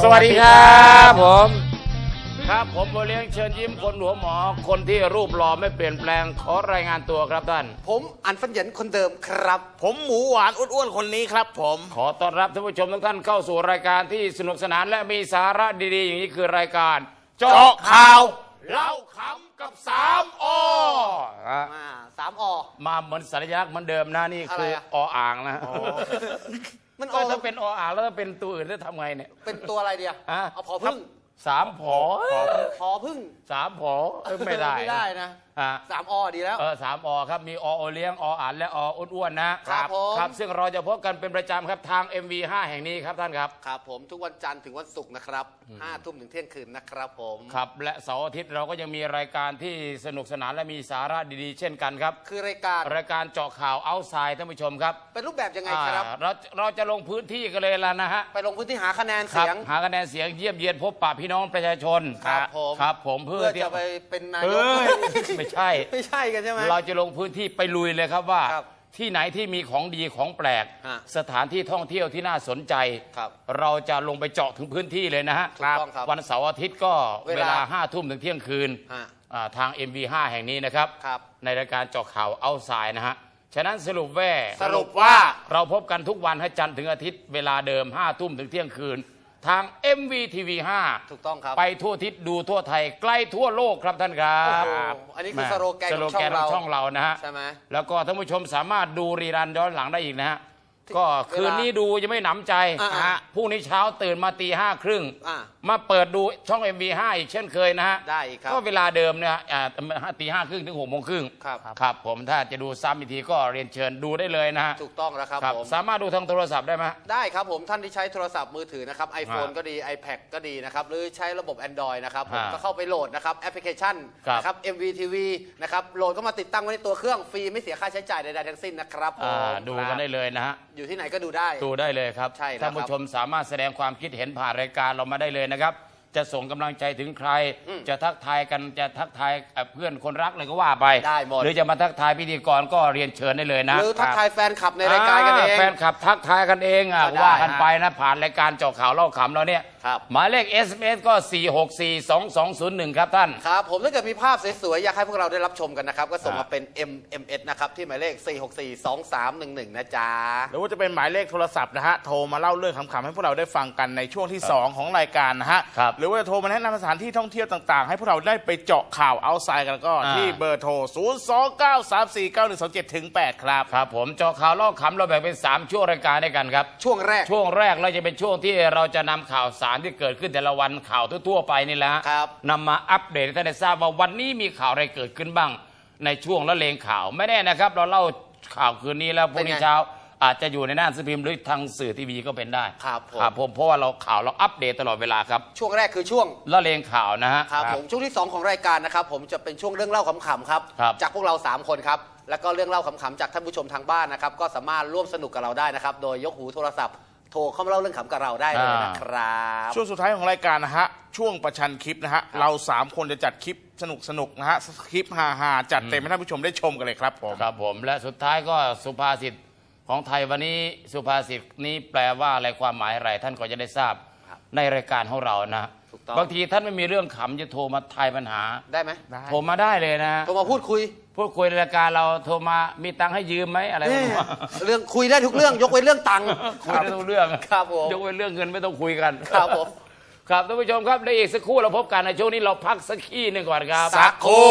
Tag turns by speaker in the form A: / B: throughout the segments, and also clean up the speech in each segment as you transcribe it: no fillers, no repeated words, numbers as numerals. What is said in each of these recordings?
A: วัสดีครับผมโบเลี้ยงเชิญยิ้มคนหัวหมอคนที่รูปหล่อไม่เปลี่ยนแปลงขอรายงานตัวครับท่าน
B: ผมอันฟันเหยินคนเดิมครับ
C: ผมหมูหวานอ้วนๆคนนี้ครับผม
A: ขอต้อนรับท่านผู้ชมทุกท่านเข้าสู่รายการที่สนุกสนานและมีสาระดีๆอย่างนี้คือรายการเจาะข่าวเล่าขำกับ3 อ
B: 3 อ
A: มาเหมือนสัญลักษณ์เหมือนเดิมนะนี่คือออ่างนะ
B: มัน
A: ถ้าเป็นออ่างแล้วถ้าเป็นตัวอื่นจะทำไงเนี่ย
B: เป็นตัวอะไรเดียวเอาพอพึ่ง
A: 3 ผอ
B: พึ่ง
A: 3 ผอไม่ได้
B: นะ3 อดีแล้ว
A: 3 อครับมีอเลี้ยงออ่านและออ้วนๆนะครับซึ่งเราจะพบกันเป็นประจำครับทาง MV5 แห่งนี้ครับท่านครับ
B: ครับผมทุกวันจันทร์ถึงวันศุกร์นะครับ5 ทุ่มถึงเที่ยงคืนนะครับผม
A: ครับและเสาร์อาทิตย์เราก็ยังมีรายการที่สนุกสนานและมีสาระดีๆเช่นกันครับ
B: คือราย
A: การเจาะข่าวเอาท์ไซด์ท่านผู้ชมครับ
B: เป็นรูปแบบยังไงครับ
A: เราจะลงพื้นที่กันเลยล่ะนะฮะ
B: ไปลงพื้นที่หาคะแนนเสียง
A: เยี่ยมเยียนพบปะพี่น้องประชาชนครับผมเพื่อ
B: จะไปเป็นนายก
A: ไม่ใช่
B: กันใช่ไหม
A: เราจะลงพื้นที่ไปลุยเลยครับว่าที่ไหนที่มีของดีของแปลกสถานที่ท่องเที่ยวที่น่าสนใจเราจะลงไปเจาะถึงพื้นที่เลยนะฮะวันเสาร์อาทิตย์ก็เวลา5 ทุ่มถึงเที่ยงคืนทาง MV5 แห่งนี้นะครับในรายการเจาะข่าวเอาท์ไซด์นะฮะฉะนั้นสรุปว่าเราพบกันทุกวันให้จันทร์ถึงอาทิตย์เวลาเดิม5 ทุ่มถึงเที่ยงคืนทาง MVTV5
B: ถูกต้องครับ
A: ไปทั่วทิศดูทั่วไทยใกล้ทั่วโลกครับท่านครับ
B: อันนี้คือสโลแกนของ
A: ช่องเรานะฮะ
B: ใช่ไหม
A: แล้วก็ท่านผู้ชมสามารถดูรีรันย้อนหลังได้อีกนะฮะก็คืนนี้ดูยังไม่หนำใจพรุ่งนี้เช้าตื่นมาตี 5:30มาเปิดดูช่อง MV5 อีกเช่นเคยนะฮะ
B: ได้ครับ
A: ก็เวลาเดิมเนี่ยตี 5:30 ถึง 6:30 ครับผมถ้าจะดูซ้ำอีกทีก็เรียนเชิญดูได้เลยนะฮะ
B: ถูกต้องแล้วครับผม
A: สามารถดูทางโทรศัพท์ได้ไหม
B: ได้ครับผมท่านที่ใช้โทรศัพท์มือถือนะครับ iPhone ก็ดี iPad ก็ดีนะครับหรือใช้ระบบ Android นะครับผมก็เข้าไปโหลดนะครับแอปพลิเคชันนะครับ MVTV นะครับโหลดก็มาติดตั้งไว้ในตัวเครื่องฟรีไม่เสียค่าใช้จ่ายใดๆทั้งสิ้นนะครับ
A: ดูกันได้เลยนะฮะ
B: อยู่ที่ไหนก็ดูได้
A: เลยครับท่านผู้ชมสามารถแสดงความคิดเห็นผ่านรายการเรามาได้เลยนะครับจะส่งกำลังใจถึงใครจะทักทายกันจะทักทายเพื่อนคนรักเลยก็ว่าไป
B: ได้หมด
A: หรือจะมาทักทายพิธีกรก็เรียนเชิญได้เลยนะ
B: หรือทักทายแฟนคลับในรายการกันเอง
A: แฟนคลับทักทายกันเองว่ากันไปนะผ่านรายการเจาะข่าวเล่าขำเราเนี่ยหมายเลข SMS ก็ 4642201 ครับท่าน
B: ครับผมถ้าเกิดมีภาพสวยๆอยากให้พวกเราได้รับชมกันนะครับก็ส่งมาเป็น MMS นะครับที่หมายเลข 4642311 นะจ๊ะ
C: หรือว่าจะเป็นหมายเลขโทรศัพท์นะฮะโทรมาเล่าเรื่องขำๆให้พวกเราได้ฟังกันในช่วงที่2ของรายการนะฮะหรือว่าจะโทรมาแนะนำสถานที่ท่องเที่ยวต่างๆให้พวกเราได้ไปเจาะข่าวเอาท์ไซด์กันก็ที่เบอร์โทร 029349127-8 ครับ
A: ผมเจาะข่าวเล่าขำเราแบ่งเป็น3ช่วงรายการด้วยกันครับ
B: ช่วงแรก
A: เราจะเป็นช่วงที่เราจะนำข่าวสารที่เกิดขึ้นแต่ละวันข่าวทั่วๆไปนี่แหละนำมาอัปเดตให้ท่านได้ทราบว่าวันนี้มีข่าวอะไรเกิดขึ้นบ้างในช่วงละเลงข่าวไม่แน่นะครับเราเล่าข่าวคืนนี้แล้วพรุ่งนี้เช้าอาจจะอยู่ในหน้าหนังสือพิมพ์หรือทางสื่อทีวีก็เป็นได้
B: ครับ
A: ผมเพราะว่าเราอัปเดตตลอดเวลาครับ
B: ช่วงแรกคือช่วง
A: ละเลงข่าวนะฮะ
B: ครับผมช่วงที่2ของรายการนะครับผมจะเป็นช่วงเรื่องเล่าขำๆครับจากพวกเรา3 คนครับแล้วก็เรื่องเล่าขำๆจากท่านผู้ชมทางบ้านนะครับก็สามารถร่วมสนุกกับเราได้นะครับโดยยกหูโทรศัพท์โทรเข้ามาเล่าเรื่องขำกับเราได้เลยนะครับ
C: ช่วงสุดท้ายของรายการนะฮะช่วงประชันคลิปนะฮะเรา3 คนจะจัดคลิปสนุกนะฮะคลิปฮาๆจัดเต็มให้ท่านผู้ชมได้ชมกันเลยครับ
A: ผมและสุดท้ายก็สุภาษิตของไทยวันนี้สุภาษิตนี้แปลว่าอะไรความหมายอะไรท่านก็จะได้ทราบในรายการของเรานะบางทีท่านไม่มีเรื่องขำจะโทรมาทายปัญหา
B: ได้ไหม
A: โทรมาได้เลยนะ
B: โทรมาพูดคุย
A: ในรายการเราโทรมามีตังค์ให้ยืมไหมอะไร
B: เรื่องคุยได้ทุกเรื่องยกเว้นเรื่องตังค์
A: คุยได้ทุกเรื่อง
B: ครับผม
A: ยกเว้นเรื่องเงินไม่ต้องคุยกัน
B: ครับผม
A: ครับท่านผู้ชมครับในอีกสักครู่เราพบกันในช่วงนี้เราพักสักขี้หนึ่งก่อนครับ
C: สักครู่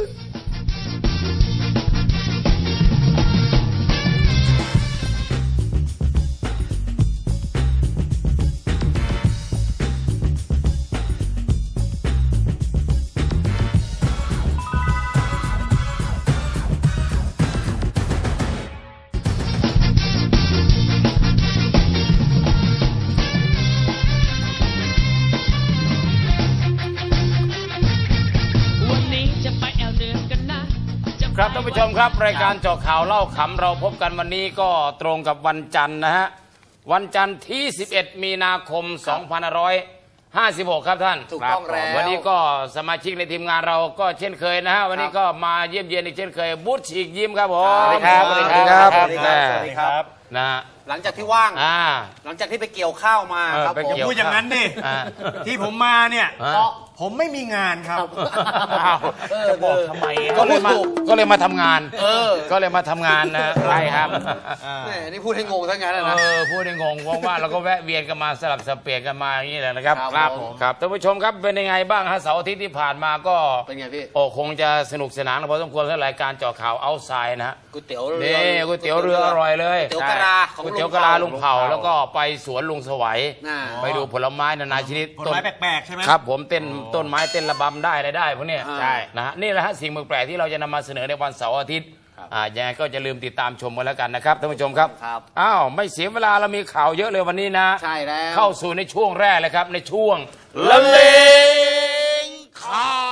A: ครับท่านผู้ชมครับรายการเจาะข่าวเล่าขำเราพบกันวันนี้ก็ตรงกับวันจันทร์นะฮะวันจันทร์ที่11 มีนาคม 2556 ครับท่าน
B: ถูกต้องแล้ว
A: วันนี้ก็สมาชิกในทีมงานเราก็เช่นเคยนะฮะวันนี้ก็มาเยี่ยมเยียนอีกเช่นเคยบูธฉีกยิ้มครับผม
B: สวัสดีครับ
A: นะ
B: แหลังจากที่ว่าง หลังจากที่ไปเกี่ยวข้าวมาครับ
A: ไป
B: ผม
A: เกี่ยว
D: พูดอย่างนั้นดิ
A: อ่า
D: ที่ผมมาเนี่ย
A: อ่า
D: ผมไม่มีงานครับ
C: จะบอกทำไม
A: ก็เลยมาทำงานก็เลยมาทำงานนะใช่ครับ
B: แหมนี่พูดให้งงทั้งนั้นนะ
A: พูดได้งงว่างๆแล้วก็แวะเวียนกันมาสลับสับเปลี่ยนกันมาอย่างนี้แหละนะครับ
B: ครับผม
A: ครับท่านผู้ชมครับเป็นยังไงบ้างฮะเสาร์อาทิตย์ที่ผ่านมาก็
B: เป็นไงพี่
A: โอ้คงจะสนุกสนานพอสมควรสำหรับรายการเจาะข่าวเอาไซด์นะฮะ
B: ก๋วยเตี๋ยวเรือ
A: นี่ก๋วยเตี๋ยวเรืออร่อยเลย
B: ก๋วยเตี๋ยวกะลาของ
A: ก๋วยเตี๋ยวกะลาลุงเผาแล้วก็ไปสวนลุงสวัย
B: น่า
A: ไปดูผลไม้นานาชนิด
D: ผลไม้แปลกๆใช่ไหม
A: ครับผมเต้นต้นไม้เต้นระบำได้อะไรได้พวกเนี้ย
B: ใช่
A: นะฮะนี่แหละฮะสิ่งแปลกๆที่เราจะนำมาเสนอในวันเสาร์อาทิตย์ยังไงก็จะลืมติดตามชมกันแล้วกันนะครับท่านผู้ชมครับ
B: ครับ
A: อ้าวไม่เสียเวลาเรามีข่าวเยอะเลยวันนี้นะ
B: ใช่แล้ว
A: เข้าสู่ในช่วงแรกเลยครับในช่วงละเลงข่าว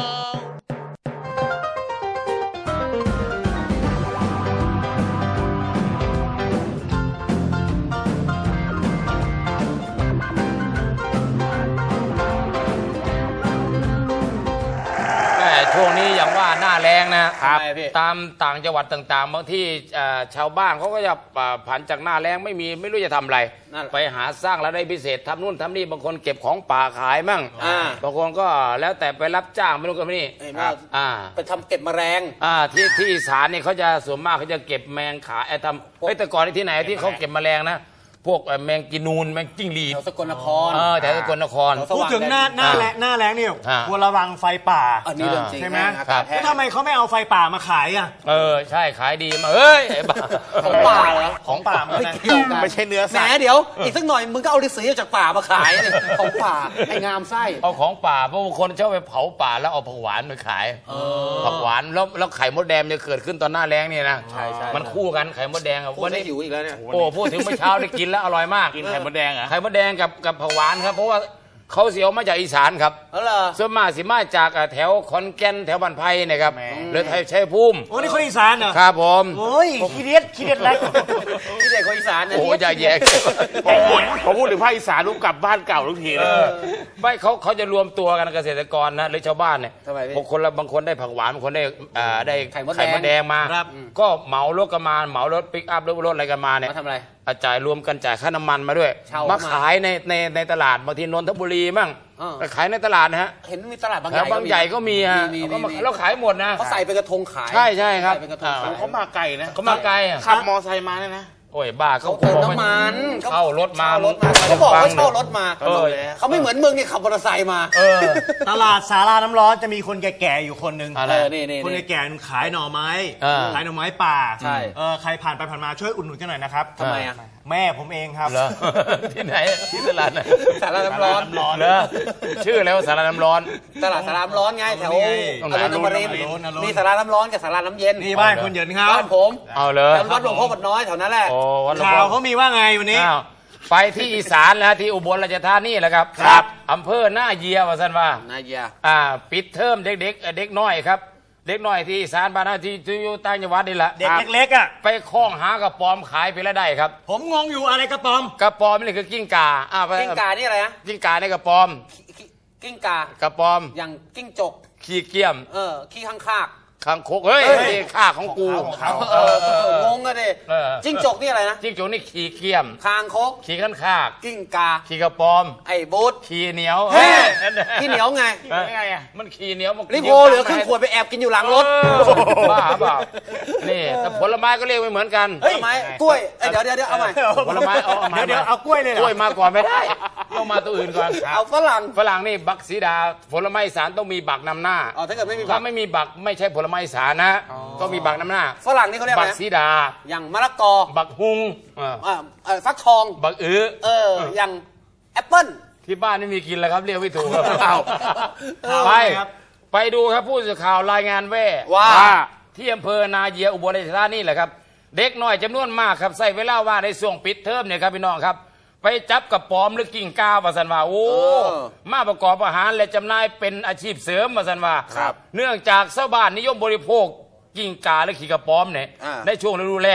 A: ช่วงนี้อย่างว่าหน้าแรงนะครับ
B: ทำไมพี่
A: ตามต่างจังหวัดต่างๆบางที่ชาวบ้านเขาก็จะผันจากหน้าแรงไม่รู้จะทำอะไร
B: นั่นแหละ
A: ไปหาสร้างรายได้พิเศษทำนู่นทำนี่บางคนเก็บของป่าขายมั่ง บางคนก็แล้วแต่ไปรับจ้างไม่รู้กันนี่
B: เห็นว่า ไปทำเก็บแมลง
A: ที่อีสานเนี่ยเขาจะส่วนมากเขาจะเก็บแมงขายทำแต่ก่อนที่ไหนที่เขาเก็บแมลงนะพวกแมงกินูนแมงจิ้งหรีด
B: แถวสกลนคร
A: แถวสกลนคร
D: พูดถึงหน้าแรงนี่ควรระวังไฟป่า
B: อันนี้เรื่องจริง
D: ใช่ไหม
B: แห้งอากาศแห้
D: แล้
B: ง
D: วทำไมเขาไม่เอาไฟป่ามาขายอ่ะ
A: ใช่ขายดีมาเฮ้ยไอ้บ้า
B: ของป่าเหรอ
D: ของป่ามัน
B: ไม่
D: นะ
B: เกี่ยวกัน
C: ไม่ใช่เนื้อ
B: แหม
C: สัตว์
B: เดี๋ยว อีกสักหน่อยมึงก็เอาฤาษีจากป่ามาขายเนี่ยของป่าไอ้งามไส้
A: เอาของป่าเพราะบางคนชอบไปเผาป่าแล้วเอาผักหวานไปขายผักหวานแล้วไข่มดแดงจะเกิดขึ้นตอนหน้าแล้งเนี่ยนะ
B: ใช่ใช่
A: มันคู่กันไข่มดแดงอะ
B: พูด
A: วัน
B: ได้
A: นี้
B: หิวอีกแล้วเนี่ย
A: โอ้พูดถึงเมื่อเช้าได้กินแล้วอร่อยมาก
C: กินไข่มดแดงเหรอ
A: ไข่มดแดงกับผักหวานครับเพราะว่าเขาเสียวมาจากอีสานครับ
B: แล้วเหรอ
A: ส่วนมากสิมาจากแถวขอนแก่นแถวบ้านไผ่เนะครับหรือไทยชัยภูมิ
D: โอ้นี่คนอีสานเหรอ
A: ครับผม
D: โอ้ยขี้เด็ดแล้ว
B: ที่เด็กคนอีสานเนี่ย
A: โอ้ยอย่าแยก
C: ผมพูดถึงภาคอีสานรู้กลับบ้านเก่าทุกทีเลย
A: ไม่เขาจะรวมตัวกันเกษตรกรนะหรือชาวบ้านเนี่ย
B: ทำไมพี่
A: บางคนได้ผักหวานบางคนได้
B: ไข่มดแดง
A: ไข่มดแดงมา
D: ครับ
A: ก็เหมารถกันมาเหมารถปิกอัพรถอะไรกันมาเนี่ย
B: มาทำอะไร
A: จ่ายรวมกันจ่ายค่าน้ำมันมาด้วย
B: เช่า
A: มา
B: มา
A: ขายในตลาดบางทีนนทบุรีมั่ง
B: อ่า
A: ไปขายในตลาดนะฮะ
B: เห็นมีตลาดบางให
A: แถ
B: ญ่
A: วบางใหญ่ก็มีฮะ
B: มี
A: ก็มา
B: มี
A: แล้วขายหมดนะ
B: เขาใส่เป็นกระทงขาย
A: ใช่ครับ
B: ใส่เป็นกระทงขาย
C: เขามาไกลนะ
A: เขามาไกลอะ
C: ขับมอไซค์มาเนี่ยนะ
A: โอ้ยบ้า
B: เขาเติมน้ำมัน
A: เช่ารถมา
B: เช่ารถมาเขาบอกว่าเช่ารถมา
A: เออ
B: เขาไม่เหมือนมึงนี่ขับมอเตอร์ไซค์มา
D: ตลาดสาราน้ำร้อนจะมีคนแก่ๆอยู่คนหนึ่ง
A: อะไร
B: นี่
D: คนแก่ๆขายหน่อไม้ ขายหน่อไม้ป่า
B: ใช่
D: ใครผ่านไปผ่านมาช่วยอุดหนุนกันหน่อยนะครับ
B: ทำไมอ่ะ
D: แม่ผมเองครับ
A: เหรอ ที่ไหนที่ตลาดไหน
B: สาราน้ำร้อน
A: เหรอชื่ออะไรว่าสารน้ำร้อน
B: ตลาดสาราน้ำร้อนไงแถว
A: ตรงไหน
B: อรุณอมรินทร์
D: อรุณอรุณ
B: มีสาราน้ำร้อนกับสาราน้ำเย็น
D: นี่บ้านคุณเหยินครับ
B: บ้านผม
A: เอาเลย
B: แถววัดหลวงพ่อบัดน้อยแถวนั้นแหละ
A: โอ้วันหลวง
D: ข่า
A: พ่
D: ว
A: อ
D: เขามีว่าไงวันนี้
A: อ้าวไปที่อีสานแล้วที่อุบลราชธานีแหละครับ
D: ครับ
A: อำเภอหน้าเยียว่าสันว่า
B: นายเยีย
A: ปิดเทอมเด็กเด็กน้อยครับ เด็กน้อยที่อีสานบ้านเราที่อยู่ต่างจังหวัดนี่แหละ
D: เด็กเล็กๆอ่ะ
A: ไปคล้องหากระป๋อมขายไปแล้วได้ครับ
D: ผมงงอยู่อะไรกระป๋อม
A: กระป๋อมนี่คือกิ้งก่าไป
B: กิ้งกานี่อะไรนะ
A: กิ้งก่าในกระป๋อม
B: กิ้งกาก
A: ระป๋อม
B: อย่างกิ้งจก
A: ขี้เกียม
B: ขี้ข้างคาก
A: คางคกเฮ้ยนี่ข้าของกู
B: งงอะดิ
A: เออ
B: จิ้งจกนี่อะไรนะ
A: จิ้งจกนี่ขี้เกียม
B: คางคก
A: ขี้ขันคาก
B: กิ้งกา
A: ขี้กระป๋อม
B: ไอ้บูธ
A: ขี้เหนียว
B: เฮ้ย
A: นั่นแหละ
B: ขี้เหนียวไง
A: ไงอะมันขี้เหนียวมัน
B: ลิโพเหลือครึ่งขวดไปแอบกินอยู่หลังรถ
A: บ้าเปล่านี่แต่ผลไม้ก็เรียกไม่เหมือนกัน
B: ทำไมกล้วยเดี๋ยวเอาใหม่
A: ผลไม้เอามา
D: เดี๋ยวเอากล้วยเลยเหร
A: ก
D: อ
A: ล้วยมาก่อนไม่ได้ต้องมาตัวอื่นก่อน
B: เอาฝรั่ง
A: ฝรั่งนี่บักสีดาผลไม้อีสานต้องมีบักนำหน้า
B: ถ้าเกิดไม่มีผั
A: ถ้าก ไม่มีบักไม่ใช่ผลไม้อีสานนะต้องมีบักนำหน้า
B: ฝรั่งนี่เขาเรียกอะ
A: บั
B: ไร
A: ก
B: นะ
A: สีดา
B: อย่างมะละกอ
A: บักฮุง
B: ฟักทอง
A: บักอื้อ
B: อย่างแอปเปิ้ล
A: ที่บ้านไม่มีกินแล้วครับเรียกไม่ถูกครับ
D: เอา
A: ไป
D: ครับ
A: ไปดูครับผู้สื่อข่าวรายงานแว่
B: ว่า
A: ที่อำเภอนาเยียอุบลราชธานีแหละครับ เด็กน้อยจำนวนมากครับใส่เวลาว่าในช่วงปิดเทอมเนี่ยครับพี่น้องครับ ไปจับกับปอมหรือกิ่งก้าวมาสันว่าโอ้มาประกอบอาหารและจำหน่ายเป็นอาชีพเสริมมาสันว่าเนื่องจากชาวบ้านนิยมบริโภคกิ่งกาและขี้กระป๋อมเนี่ยในช่วงฤดูแล้ง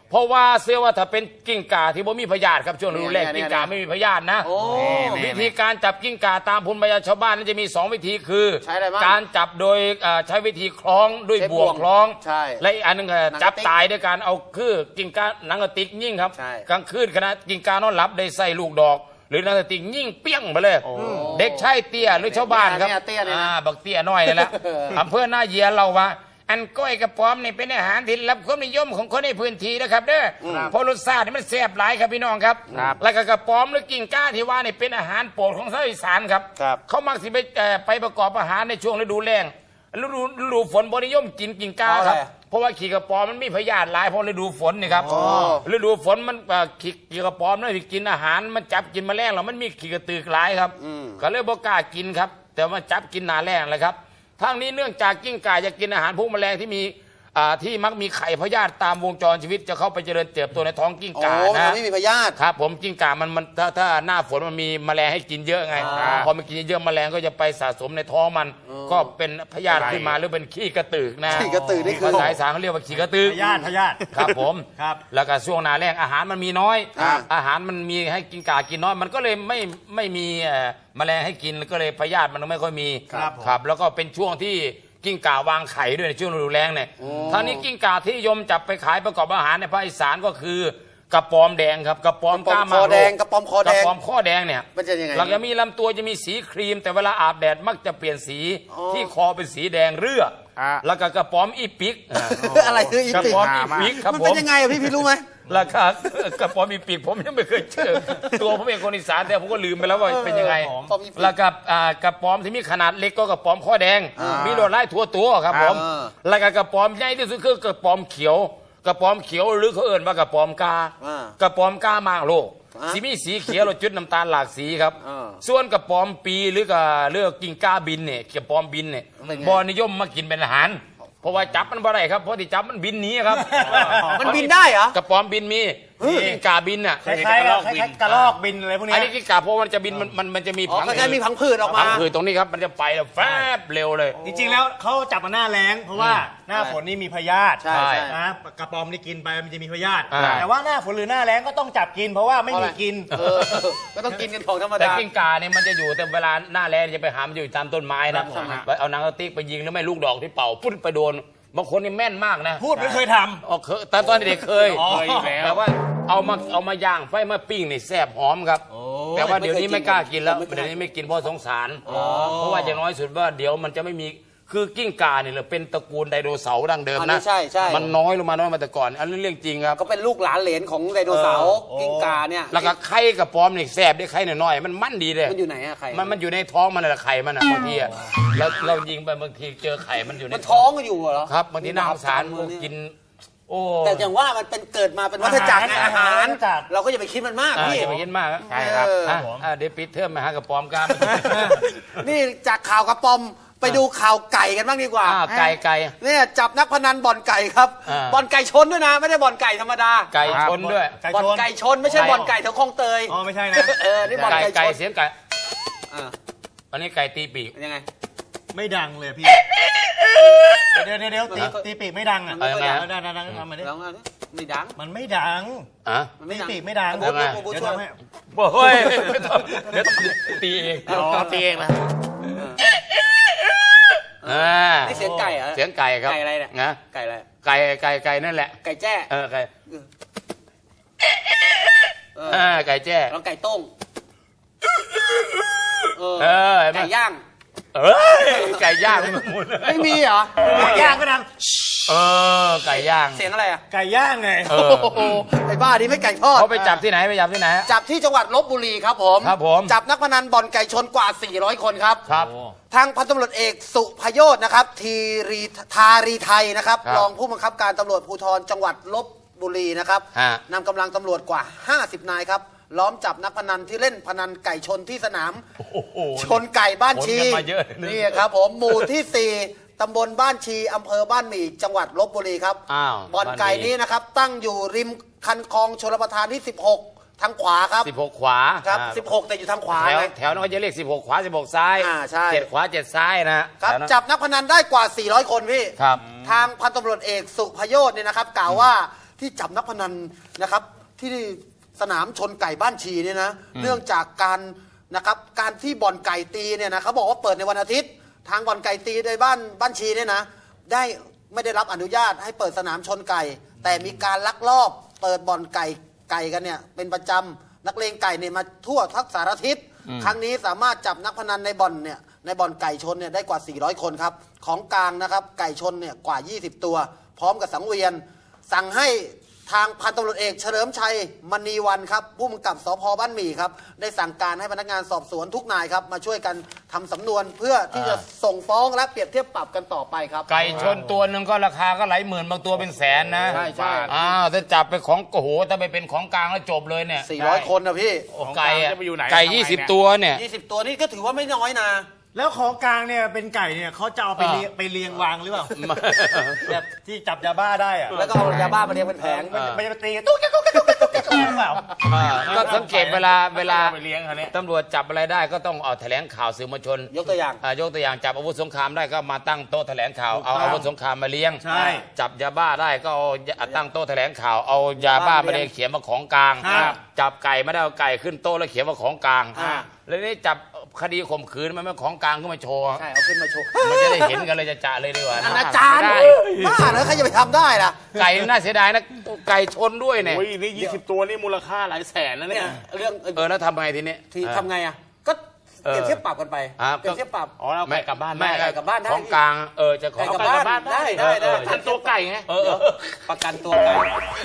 A: เพราะว่าเชื่อว่าถ้าเป็นกิ้งก่าที่บ่มีพยาธิครับช่วงฤดูแล้ง
B: เนี่ย
A: กิ้งก่าไม่มีพยาธินะ
B: โอ้
A: วิธีการจับกิ้งก่าตามภูมิปัญญาชาวบ้านนั้นจะมี2วิธีคือ
B: ใช้อะไรบ้าง
A: การจับโดยใช้วิธีคล้องด้วย
B: ใช้
A: บ่วงคล้อง
B: ใช่
A: และอีกอันหนึง
B: หนัง
A: จับ
B: กระติก
A: ตายด้วยการเอาคือกิ้งก่าหนังกระติกยิ่งครับ
B: ใช่
A: กลางคืนขณะกิ้งก่านอนหลับได้ใส่ลูกดอก หรือหนังกระติกยิ่งเปี้ยงไปเลย เด็กชายเตี้ยหรือชาวบ้านครับ
B: เนี่ยเตี้ยเนี่ยนะ
A: บักเตี้ยน้อยนี่แหละอำเภอหน้าเยียเราว่า อันก้อยกระป๋อมนี่เป็นอาหารที่รับความนิยมของคนในพื้นที่นะครับเด้อเพราะรสชาตินี่มันแซ่บหลายครับพี่น้องครับ แล้วก็กระป๋อมหรือกิ่งก้าที่ว่านี่เป็นอาหารโปรดของชาวอีสานครับ
B: ครับ
A: เขามักสิไปประกอบอาหารในช่วงฤดูแล้งฤดูฝนบนิยมกินกิ่งก้าครับ เพราะว่าขี้กระป๋อมมันมีพยาธิหลายเพราะฤดูฝนนี่ครับฤดูฝนมันขี้กระป๋อมนั่นกินอาหารมันจับกินแมลงแล้วมันมีขี้กระตือกหลายครับก็เลยบ่กล้ากินครับแต่ว่าจับกินหนาแรงเลยครับทั้งนี้เนื่องจากกิ้งก่าจะกินอาหารพวกแมลงที่มีที่มักมีไข่พยาธิตามวงจรชีวิตจะเข้าไปเจริญเติบโตในท้องกิ้งก่า
B: โอ้
A: นะ
B: มันไม่มีพยาธิ
A: ครับผมกิ้งก่ามันถ้าหน้าฝนมันมีแมลงให้กินเยอะไงพอมันกินเยอะแมลงก็จะไปสะสมในท้องมันก็เป็นพยาธิขึ้นมาหรือเป็นขี้กระตือกนะ
B: ขี้กระตือกนี่คือ
A: ภาษาอีสานเขาเรียกว่าขี้กระตือก
D: พยาธิ
A: ครับผม
D: ครับ
A: แล้วก็ช่วงหนาแรงอาหารมันมีน้อย
B: ครับ
A: อาหารมันมีให้กิ้งก่ากินน้อยมันก็เลยไม่มีแมลงให้กินก็เลยพยาธิมันไม่ค่อยมี
D: ครับผม
A: ครับแล้วก็เป็นช่วงที่กิ้งก่าวางไข่ด้วยในช่วงฤดูแล้งเนี่ยทางนี้กิ้งก่าที่นิยมจับไปขายประกอบอาหารในภาคอีสานก็คือกระปอมแดงครับกระปอม
B: กระป๋อม
A: ก้ามา
B: คอแดง
A: โล
B: กระป๋อมคอแดง
A: กระปอมข้อแดงเนี่ย
B: มันจะยังไง
A: หลังจากมีลำตัวจะมีสีครีม แต่เวลาอาบแดดมักจะเปลี่ยนสีที่คอเป็นสีแดงเรือแล้วก็กระปอมอีปิก
B: อะไรคืออี
A: กระ
B: ปิก
A: ปอมอีปิกครับ
B: มัน
A: ผ
B: เป็น
A: ม
B: ยังไงอะพี่รู้ไหม
A: ราคากระป๋อมอีปิกผมยังไม่เคยเจอ ตัวผมเองคนอีสานแต่ผมก็ลืมไปแล้วว่าเป็นยังไง
B: กระป๋อมอีปิก
A: แล้วก็กระป๋อมที่มีขนาดเล็กก็กระป๋อมข้อแดง มีลวดลายทั่วตัวครับผม แล้วก็กระป๋อมใหญ่ที่สุดคือกระป๋อมเขียว กระป๋อมเขียวหรือเขาเอ่นว่ากระป๋อมกา กระป๋อมกามางโลกสีมีสีเขียวเราจุดน้ำตาลหลากสีครับ ส่วนกระป๋อมปีหรือก็เลือกกิ่งก้าบินเนี่ยกระป๋อมบินเนี่ยบอนิยมมากินเป็นอาหาร เพราะว่าจับมันบ่ได้ครับเพราะที่จับมันบินหนีครับ
B: มันบินได้เหรอ
A: กระป๋อมบินมีกิ้งก่าบินอ่ะ
D: คล้ายๆกับกระรอกบินอะไรพวกเนี้
A: อั
D: ย
A: นนี้กิ้งก่าเพราะมันจะบินมันจะมี
B: อ๋อคล้ายๆมีพังผืดออกมา
A: ผังผืดตรงนี้ครับมันจะไปแล้วแฟบเร็วเลย
D: จริงๆแล้วเขาจับมาหน้าแล้งเพราะว่าหน้าฝนนี่มีพยาธิ
B: ใช่ใช่
D: นะกระปอมนี่กินไปมันจะมีพยาธิ
A: อ่า
D: แต่ว่าหน้าฝนหรือหน้าแล้งก็ต้องจับกิน เพราะว่าไม่มีกิน
B: ก็ต้องกินกันของธรรม
A: แต่
B: ดา
A: กิ้งก่าเนี่ยมันจะอยู่แต่เวลาหน้าแล้งจะไปหามันอยู่ตามต้นไม้นะไปเอาหนังกระติกไปยิงแล้วไม่ลูกดอกที่เป่าพุ่นไปโดนบางคนนี่แม่นมากนะ
D: พูดไม่เคยท
A: อ๋อเคยแต่ตอนเด็กเคย
D: เคยอยู่แล้ว
A: แต่ว่าเอามาย่างไฟมาปิ้งนี่แซ่บหอมครับ แต่ว่าเดี๋ยวนี้ไม่กล้ากินแล้วเดี๋ยวนี้ไม่กินเพราะสงสาร เพราะว่าอย่างน้อยสุดว่าเดี๋ยวมันจะไม่มีคือกิ้งก่าเนี่ยเราเป็นตระกูลไดโนเสาร์ดั้งเดิม
B: อันนี้
A: นะ
B: ใช่ใช่
A: มันน้อยลงมาแต่ก่อน อันนี้เรื่องจริงครับ
B: ก็เป็นลูกหลานเหลนของไดโนเสาร์กิ้งก่าเนี่ย
A: แล้วก็ไข่กับปอมนี่แซ่บได้ไข่น้อยๆมันมั่นดีเลย
B: มันอยู่ไหนอะไข่
A: มันอยู่ในท้องมันแหละไข่มันอ่ะบางทีอะแล้วเรายิงไปบางทีเจอไข่มันอยู่ใน
B: มันท้องกันอยู่เหรอ
A: ครับบางทีน่าสงสารกิน โอ้
B: แต่อย่างว่ามันเป็นเกิดมาเป็นวัฏจักรไงอาหาร
D: วัฏจักร
B: เราก็อย่าไปคิดมันมากพี่
A: อย่าไปคิดมาก
B: ใช่ครับ
A: เดี๋ยวปิดเทอมมาหากับปอมกัน
B: นี่จากข่าวกระป๋อมไปดูข่าวไก่กันบ้างดีกว่า
A: ไก่
B: เนี่ยจับนักพนันบ่อนไก่ครับ
A: อ่า
B: บ่อนไก่ชนด้วยนะ ไม่ได้บ่อนไก่ธรรมดา
A: ไก่ชนด้วย
D: ไก่
B: บ่อน
D: ชน
B: ไก่ชนไม่ใช่บ่อนไก่แถวคลองเตย
D: อ๋อไม่ใช่นะ
B: นี่บ่อนไก่ช
A: ไก่
B: น
A: เสียงไก่
B: อ่า
A: อันนี้ไก่ตีปีก
B: ยังไง
D: ไม่ดังเลยพี่ เดี๋ยวตีปีกไม่ดังอ่ะ
B: เอายังไง
D: ดังทำมาดิ
B: ลองเอาดิไม่ดัง
D: มันไม่ดัง
A: อ่ะ
B: มันไม่
D: ตี
B: ดัง
D: ปีกไม่ดัง
B: บู๊
A: ยังไง
B: บู๊
D: เดี๋ยว
B: ช่วย
D: ทำให้
A: โอ้ยไม่ต้องเดี๋ยวตีเอง
D: ตีเองนะ
B: นี่เสียงไก่เหรอ
A: เสียงไก่ครับ
B: ไก่อะไรเนี่ย
A: นะ
B: ไก่อะไร
A: ไก่นั่นแหละ
B: ไก่แจ้
A: ไก่
B: เออ
A: ไก่แจ้
B: ลองไก่ต้ม
A: เห็นไหม
B: ไก่ย่าง
A: ไก่ย่างไม่หมด
B: ไม่มีเหรอ
D: ไก่ย่างก็ดัง
A: ไก่ย่าง
B: เสียงอะไรอ่ะ
D: ไก่ย่างไง
B: โอ้โหไอ้บ้านี่ไม่ไก่ทอด
A: เขาไปจับที่ไหนไปจับที่ไหน
B: จับที่จังหวัดลบบุรีครับผม
A: ครับผม
B: จับนักพนันบ่อนไก่ชนกว่า 400 คนครับ
A: ครับ
B: ทางพันตำรวจเอกสุพโยชน์นะครับทารีไทยนะครับ
A: ครับ
B: รองผู้บังคับการตำรวจภูธรจังหวัดลบบุรีนะครับ
A: ฮะ
B: นำกำลังตำรวจกว่า 50 นายครับล้อมจับนักพนันที่เล่นพนันไก่ชนที่สนาม ชนไก่บ้านชี
A: ขนกันมาเยอะเลย
B: นี่ครับผมหมู่ที่ 4 ตำบลบ้านชีอำเภอบ้านหมี่จังหวัดลบบุรีครับ
A: อ้าว
B: บ่อนไก่นี้นะครับตั้งอยู่ริมคันคลองชลประทานที่ 16 ทางขวาครับ
A: 16 ขวา
B: ครับ
A: อ่า
B: 16 แต่อยู่ทางขวา
A: แถว
B: นะ
A: แถวนั้นเขาจะเรียก16 ขวา 16 ซ้าย
B: ใช่
A: 7 ขวา 7 ซ้ายนะครับ แถวนั้น
B: จับนักพนันได้กว่า 400 คนพี่
A: ครับ
B: ทางพันตำรวจเอกสุพโยชน์เนี่ยนะครับ กล่าวว่า
E: ที่จับนักพนันนะครับที่สนามชนไก่บ้านชีเนี่ยนะเนื่องจากการที่บ่อนไก่ตีเนี่ยนะเขาบอกว่าเปิดในวันอาทิตย์ทางบ่อนไก่ตีในบ้านชีเนี่ยนะไม่ได้รับอนุญาตให้เปิดสนามชนไก่แต่มีการลักลอบเปิดบ่อนไก่กันเนี่ยเป็นประจำนักเลงไก่เนี่ยมาทั่วทั้งสารทิศครั้งนี้สามารถจับนักพนันในบ่อนไก่ชนเนี่ยได้กว่า 400 คนครับของกลางนะครับไก่ชนเนี่ยกว่า 20 ตัวพร้อมกับสังเวียนสั่งให้ทางพันตำรวจเอกเฉลิมชัยมณีวันครับผู้กำกับสพบ้านหมี่ครับได้สั่งการให้พนักงานสอบสวนทุกนายครับมาช่วยกันทำสำนวนเพื่อที่จะส่งฟ้องและเปรียบเทียบปรับกันต่อไปครับ
A: ไก่ชนตัวหนึ่งก็ราคาก็หลายหมื่นบางตัวเป็นแสนนะ
E: ใช่
A: ถ้าจับไปของโอ้โหถ้าไปเป็นของกลางแล้วจบเลยเนี่ย
E: 400 คนนะพี่
A: โอ้ไก่อะ
C: จะไปอยู่ไหน
A: ไก่
C: ทำไมเนี่ย
A: 20 ตัวเนี่ย
E: 20 ตัวนี่ก็ถือว่าไม่น้อยนะ
D: แล้วของกลางเนี่ยเป็นไก่เนี่ยเขาจะเอาไปเรียงวางหรือเปล่าแบบที่จับยาบ้าได้อะ
E: แล้วก็เอายาบ้ามาเรียงเป็นแผง
D: มันจะไปตีกันตุ๊กแก๊กตุ๊กแก๊กตุ๊กแก๊กตุ๊กแก๊กหรือเปล่า
A: ก็สังเกตเวลา
C: ไปเลี้ยงเขาเนี่ย
A: ตำรวจจับอะไรได้ก็ต้องเอาแถลงข่าวสื่อมวลชน
E: ยกตัวอย่าง
A: ยกตัวอย่างจับอาวุธสงครามได้ก็มาตั้งโต๊ะแถลงข่าวเอาอาวุธสงครามมาเลี้ยง
D: ใช่
A: จับยาบ้าได้ก็เอาตั้งโต๊ะแถลงข่าวเอายาบ้ามาเรียงเขียนว่าของกลาง
D: ครับ
A: จับไก่ไม่ได้เอาไก่ขึ้นโต๊ะแล้วเขียนว่าของกลาง
E: อ่า
A: แล้วนี่จับคดีข่มขืนมันไม่ของกลางขึ้นมาโชว์
E: ใช่เอาขึ้นมาโชว์
A: มันจะได้เห็นกันเลยจะเลยดีกว่า
E: อนาจารย์บ้าเหรอใครจะไปทำได้ล่ะ
A: ไก่น่าเสียดายนะไก่ชนด้วยเนี่ย
C: โอ้ยนี่20 ตัวนี่มูลค่าหลายแสนนะเนี่ย
E: เรื่อง
A: แล้วทำไงทีนี้
E: ที่ทำไงอ่ะก็เปรียบเทียบปรับกันไป
A: อ่า
E: เปรียบเทียบปรับ
C: อ๋อเราไก่กลับบ้าน
A: แม่
C: ได้
E: ไก่กลับบ้านได้
A: ของกลางจะของ
E: ไก่กลับบ้านได้
C: ทันตัวไก่ไง
E: ประกันตัวไก่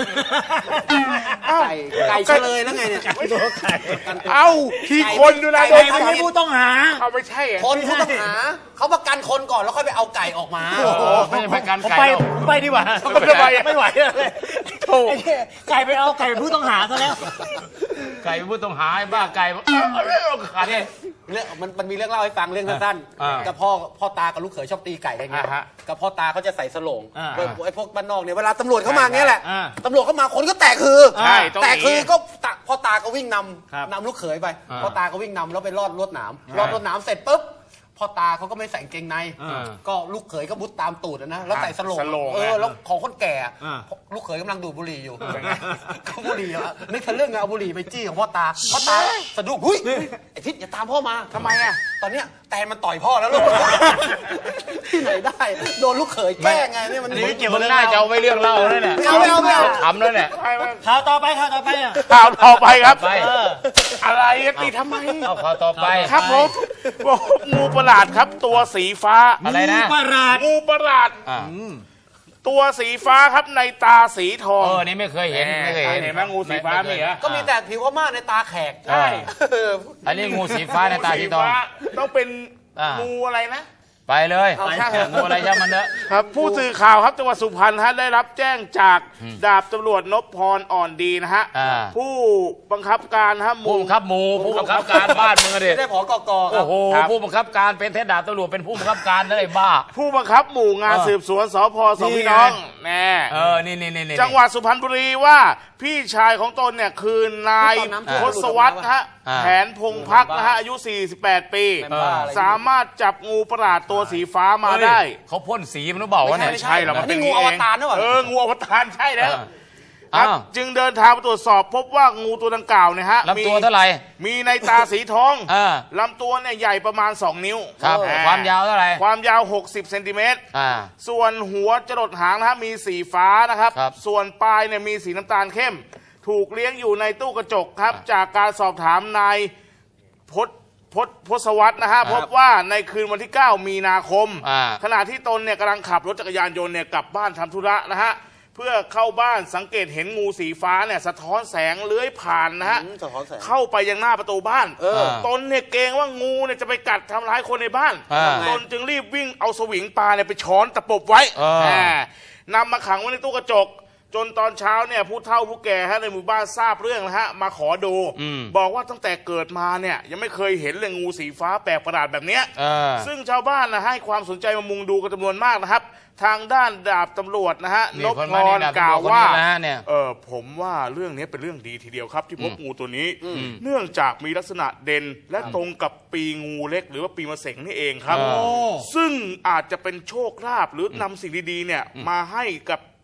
E: ไก่เฉลยแล้วไงเนี่ย
C: เอ้าที่คนดูแล
E: ไก่
C: โดน
D: ไม่ใช่ผู้ต้องหา
C: เขาไม่ใช่อะ
E: คนผู้ต้องหาเขาประกันคนก่อนแล้วค่อยไปเอาไก่ออกมา
A: ไม่ใช่ประกัน
D: ผม
A: ไก่
D: ไป
A: หรอก
D: ผมไปดีกว่า ไม่ไหวเลยไอ้เนี่ยไก่ไปเอาไก่เป็นผู้ต้องหาซะแล้ว
A: ไก่เป็นผู้ต้องหาไอ้บ้าไก่เอาขาดเนี่ย
E: เรื่องมันมีเรื่องเล่าให้ฟังเรื่องสั้น
A: อ่า
E: ๆกับพ่อตากับลูกเขยชอบตีไก่กันไง
C: อ่าฮะ
E: กับพ่อตาเขาจะใส่สโลง
D: อ่า
E: ไอ้พวกบ้านนอกเนี่ยเวลาตำรวจเข้ามาเงี้ยแหละ
D: อ่า
E: ตำรวจเข้ามาคนก็แตกคือ
C: ใช่ต้อง
E: แตกคือ
C: หนี
E: ก็พ่อตาก็วิ่งน
D: ครับ
E: ำลูกเขยไป
A: อ่า
E: พ่อตาก็วิ่งนำแล้วไปลอดรวดหนามลอดรวดหนามเสร็จปุ๊บพ่อตาเขาก็ไม่ใส่กางเกงใน ก็ลูกเขยก็มุดตามตูดอะนะแล้วใส่สโลง
C: สโลง
E: แล้วของคนแก่อะ
D: อ่า
E: ลูกเขยกำลังดูดบุหรี่อยู่ก็บุหรี่อะนึกถึงเรื่องไงเอาบุหรี่ไปจี้ของพ่อตาสะดุ้งหุ้ยไอ้ทิศอย่าตามพ่อมา
C: ทำไมอะ
E: ตอนเนี้ยแตนมันต่อยพ่อแล้วลูก ที่ไหนได้ โดนลูกเขยแกล้งไงเนี่ยมัน
D: อันนี้ไม่เกี่ยว
A: มึงน่าจะเอาไว้เรื่องเล่าแล้วเนี่ย
E: ไม่เอา
A: ทำแล้วเนี่ย
D: ข่าวต่อไปอ่ะ
C: ข่าวต่อไปครับ
A: ไป
C: อะไรอะตีทำไม
A: เอาข่าวต่อไป
C: ครับผมบอกงูประหลาดครับ ตัวสีฟ้า
A: อะไรนะ
D: ประหลาด
C: งูประหลาด
A: อ่า
C: ตัวสีฟ้าครับในตาสีทอง
A: นี่ไม่เคยเห็นไม่เคยเห็น
C: เห็นไหมงูสีฟ้ามีเหรอ
E: ก็มีแต่ผิวพม่าในตาแขก
A: ใช่ อันนี้งูสีฟ้าในตาสีทอง
C: ต้องเป็น
A: อ่างู
C: งูอะไรนะ
A: ไปเลย
C: เอาช่างเถอะ
A: งูอะไรช่างมันเถอะ
C: ครับผู้สื่อข่าวครับจังหวัดสุพรรณฮะได้รับแจ้งจากดาบตำรวจนพพรอ่อนดีนะฮะ
A: อ่า
C: ผู้บังคับการฮะ
A: ผู้บังคับหมู่ผู้บังคับการบ้านมึงอะดิ
E: ได้ผอกอครั
A: โอ้
E: บ
A: โห
C: ครับ
A: ผู้บังคับการเป็นเทศดาบตำรวจเป็นผู้บังคับการได้บ้า
C: ผู้บังคับหมู่งาน
A: อ่า
C: สืบสวนสพสองพี่น้องแน่
A: นี่
C: จังหวัดสุพรรณบุรีว่าพี่ชายของตนเนี่ยคือนายทศวรรษฮะ
A: อ่า
C: แผนพงพักนะฮะอายุ 48 ปี
E: เป็นบ้าอะไร
C: สามารถจับงูประหลาดตัวสีฟ้ามาได้
A: เขาพ่นสีมันหรือเปล่าวะเนี่ย
E: ไม่
C: ใช่เหรอมันเป็น
E: นี่งูอวตารหรือเปล่า
C: งูอวตารใช่แล้ว
A: อ่า
C: ครับจึงเดินทางไปตรวจสอบพบว่างูตัวดังกล่าวเนี่ยฮะ
A: ลำตัวเท่าไหร่
C: มีในตาสีทอง
A: อ่า
C: ลำตัวเนี่ยใหญ่ประมาณ 2 นิ้ว
A: ครับ
C: อ่
A: ความยาวเท่าไหร่
C: ความยาว 60 เซนติเมตร
A: อ่า
C: ส่วนหัวจรดหางนะฮะมีสีฟ้านะครับ
A: ครับ
C: ส่วนปลายเนี่ยมีสีน้ำตาลเข้ม ถูกเลี้ยงอยู่ในตู้กระจกครับ จากการสอบถามนายพศวัตรนะฮะพบว่าในคืนวันที่ 9 มีนาคม ขณะที่ตนเนี่ยกำลังขับรถจักรยานยนต์เนี่ยกลับบ้านทำธุระนะฮะเพื่อเข้าบ้านสังเกตเห็นงูสีฟ้าเนี่ยสะท้อนแสงเลื้อยผ่านนะฮะ
E: สะท้อนแสง
C: เข้าไปยังหน้าประตูบ้าน
A: อ
C: ตนเนี่ยเกรงว่างูเนี่ยจะไปกัดทำร้ายคนในบ้าน ตนจึงรีบวิ่งเอาสวิงปลาเนี่ยไปช้อนตะปบไว้นำมาขังไว้ในตู้กระจก จนตอนเช้าเนี่ยผู้เฒ่าผู้แก่ฮะในหมู่บ้านทราบเรื่องนะฮะมาขอดู บอกว่าตั้งแต่เกิดมาเนี่ยยังไม่เคยเห็นเลยงูสีฟ้าแปลกประหลาดแบบเนี้ยซึ่งชาวบ้านนะให้ความสนใจมามุงดูกันจำนวนมากนะครับ ทางด้านดาบตำรวจนะฮะนพพรกล่าวว่าผมว่าเรื่องนี้เป็นเรื่องดีทีเดียวครับที่พบงูตัวนี้ เนื่องจากมีลักษณะเด่นและตรงกับปีงูเล็กหรือว่าปีมะเสงนี่เองครับ ซึ่งอาจจะเป็นโชคลาภหรือนำสิ่งดีๆเนี่ยมาให้กับ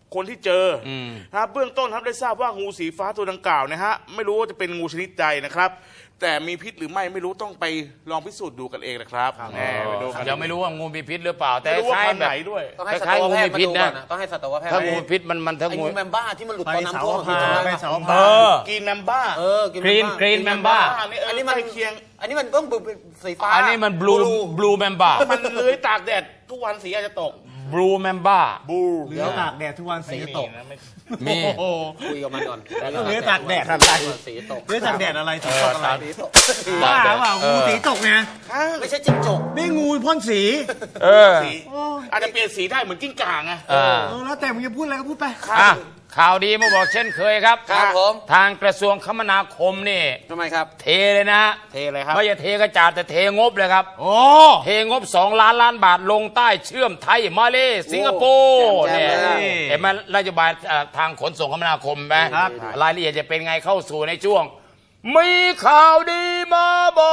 C: คนที่เจออเบื้องต้นครับได้ทราบว่างูสีฟ้าตัวดังกล่าวนะฮะไม่รู้ว่าจะเป็นงูชนิดใดนะครับ แต่มีพิษหรือไม่รู้ต้องไปลองพิสูจน์ดูกันเองนะครับไปดูกัน
A: ยังไม่รู้ว่างูมีพิษหรือเปล่า แต่
C: ไม่รู้
A: ค
C: ว่า
A: ล้าย
C: พัน
A: ๆ
C: ธุ์
A: แบ
C: ไหน
A: บ
C: ด้วย
B: ต้องให้
A: ค
B: สั
A: ล้าย
B: ต
A: ๆ
B: วแพทย์
A: งูมีพิษ
B: มาดู
A: นะ
B: ก่อนนะต้องให้สัตวแพทย์
A: ถ้างูพิษมันถ้า
B: ไอ้
A: งู
B: งูแมมบ้าที่มันหลุด
D: ไป
B: ตอนน้ำ
D: เสา
B: ท่วม
D: พาไปเสาพา
C: กินแมมบ้า
A: กรีนแมมบ้า
B: อันนี้มัน
C: ใกล้เคียง
B: อันนี้มันต้องเป็นสีฟ้า
A: อันนี้มันบลูแมมบ้า
C: มันเลื้อยตากแดดทุกวันสีอาจจะตก
A: บลูแมมบ้า
C: บู
D: เหลือตากแดดทุกวันสีตก
A: มี
D: โอ้โห
B: คุยกับมันก่อน
D: เหลือตากแดดอะไร
B: สีตก
D: เหลือตากแดดอะไรสีตกอะไร
B: สีตก
D: บ้าเปล่างูสีตกไง
B: ไม่ใช่จิ้งจก
D: นี่งูพ่นสี
A: เออ
C: สีอาจจะเปลี่ยนสีได้เหมือนกิ้งก่าไง
D: แล้วแต่มึงจะพูดอะไรก็พูดไป
A: อ่ะข่าวดีมาบอกเช่นเคยครับ
B: ครับผม
A: ทางกระทรวงคมนาคมนี่
B: ทำไมครับ
A: เทเลยนะ
C: เทเลยครับ
A: ไม่ใช่เทกระจาดแต่เทงบเลยครับ
D: โอ้
A: เทงบ2 ล้านบาทลงใต้เชื่อมไทยมาเลสิงคโปร์
B: แจ่
A: เนี่ย
B: มๆเลย
A: เห็นไหมนโยบายทางขนส่งคมนาคมไหม
D: ครับ
A: รายละเอียดจะเป็นไงเข้าสู่ในช่วง มีข่าวดีมาบอก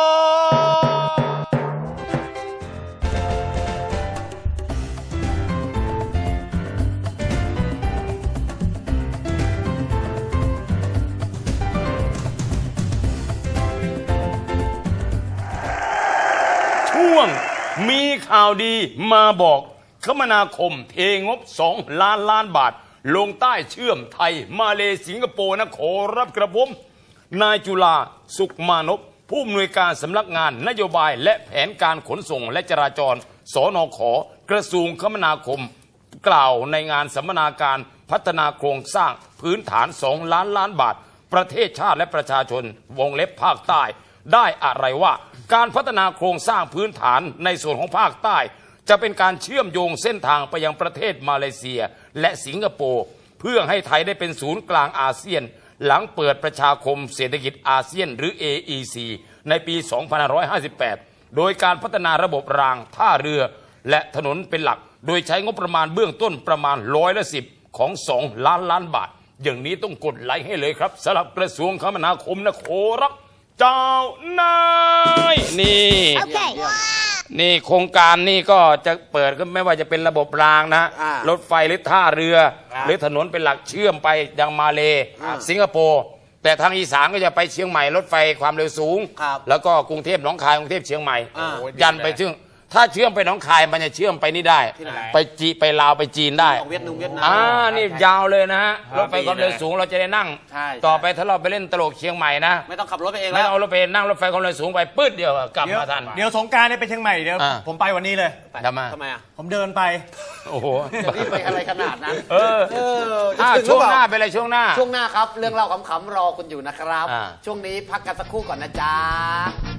A: ช่วงมีข่าวดีมาบอกคมนาคมเทงบ2 ล้านบาท ลงใต้เชื่อมไทยมาเลสิงคโปร์นะขอรับกระผมนายจุฬาสุขมานพผู้อำนวยการสำนักงานนโยบายและแผนการขนส่งและจราจรสนขกระทรวงคมนาคม กล่าวในงานสัมมนาการพัฒนาโครงสร้างพื้นฐาน2 ล้านบาท ประเทศชาติและประชาชนวงเล็บภาคใต้ ได้อะไรว่าการพัฒนาโครงสร้างพื้นฐานในส่วนของภาคใต้ จะเป็นการเชื่อมโยงเส้นทางไปยังประเทศมาเลเซียและสิงคโปร์เพื่อให้ไทยได้เป็นศูนย์กลางอาเซียน หลังเปิดประชาคมเศรษฐกิจอาเซียนหรือ AEC ในปี 2558 โดยการพัฒนาระบบรางท่าเรือและถนนเป็นหลัก โดยใช้งบประมาณเบื้องต้นประมาณ10%ของ2 ล้านบาท อย่างนี้ต้องกดไลค์ให้เลยครับสำหรับกระทรวงคมนาคมนะขอรับเจ้านายนี่ นี่โครงการนี่ก็จะเปิดก็ไม่ว่าจะเป็นระบบรางนะ รถไฟหรือท่าเรือ หรือถนนเป็นหลักเชื่อมไปยังมาเลสิงคโปร์แต่ทางอีสานก็จะไปเชียงใหม่รถไฟความเร็วสูง
B: ครับ
A: แล้วก็กรุงเทพหนองคายกรุงเทพเชียงใหม่
B: อ่า
A: ยันไปถึงถ้าเชื่อมไปหนองคายมันจะเชื่อมไปนี่ได้ ไปลาวไปจีนได้
B: ของเวียดนาม
A: นี่ยาวเลยนะฮะรถไฟความเร็วสูงเราจะได้นั่ง
B: ใช่
A: ต่อไปถ้าเราไปเล่นตลกเชียงใหม่นะ
B: ไม่ต้องขับรถไปเอง
A: ไม่
B: แล้ว
A: ต้องเอารถไปนั่งรถไฟความเร็วสูงไปปื๊ดเดียวกลับ
D: เดี๋ยว
A: มาทัน
D: เดี๋ยวสงกรารเนี่ยไปเชียงใหม่เดี๋ยว
A: อ่า
D: ผมไปวันนี้เลย
A: ทำไม
B: ทำไมอ่ะ
D: ผมเดินไป
A: โอ้โห
B: จะรีบไปอะไรขนาดนั้น
A: เออ
B: จะถึงหรื
A: ช่ว
B: อง เป
A: ห
B: ล่า
A: น้าเป็นอะไรช่วงหน้า
B: ช่วงหน้าครับ เรื่องเล่าขำๆรอคุณอยู่นะครับ
A: อ่า
B: ช่วงนี้พักกันสักครู่ก่อนนะจ๊ะ